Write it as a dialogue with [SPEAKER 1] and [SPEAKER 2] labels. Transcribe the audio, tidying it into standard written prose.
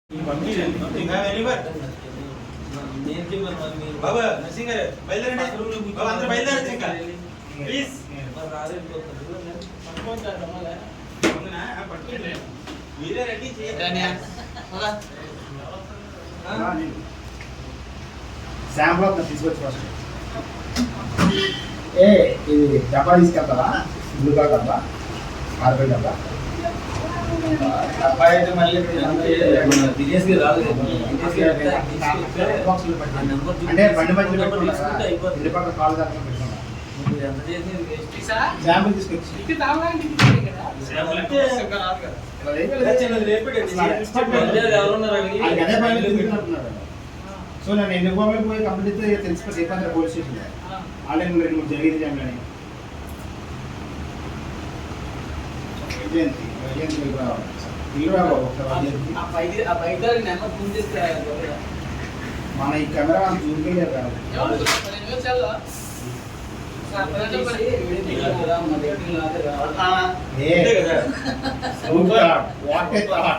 [SPEAKER 1] బాబా నర్సింగ్ గారు బయలుదేరండి. బాబా అందరూ బయలుదేరచ్చు ఇంకా ప్లీజ్. మీరే రెడీ చేయండి.
[SPEAKER 2] శాంపుల్ తీసుకొచ్చి ఫస్ట్ ఇది డబ్బా తీసుకెళ్తావా? బ్లూగా డబ్బా, కార్బన్ డబ్బా. డబ్బా అయితే మళ్ళీ అంటే బండి మధ్యలో పెట్టుకుంటా, ఇంటి పక్కన కాలు దాకా పెట్టుకుంటా. శాంపుల్ తీసుకొచ్చి సో నేను ఎన్ని గోవాలకు పోయి కంప్లీట్ తెలిసిపోతే ఏపంటే పోలీస్ స్టేషన్ ఆల్రెడీ 2-3 జరిగింది జామ్లని మన ఈ కెమెరా చూపించారు కదా.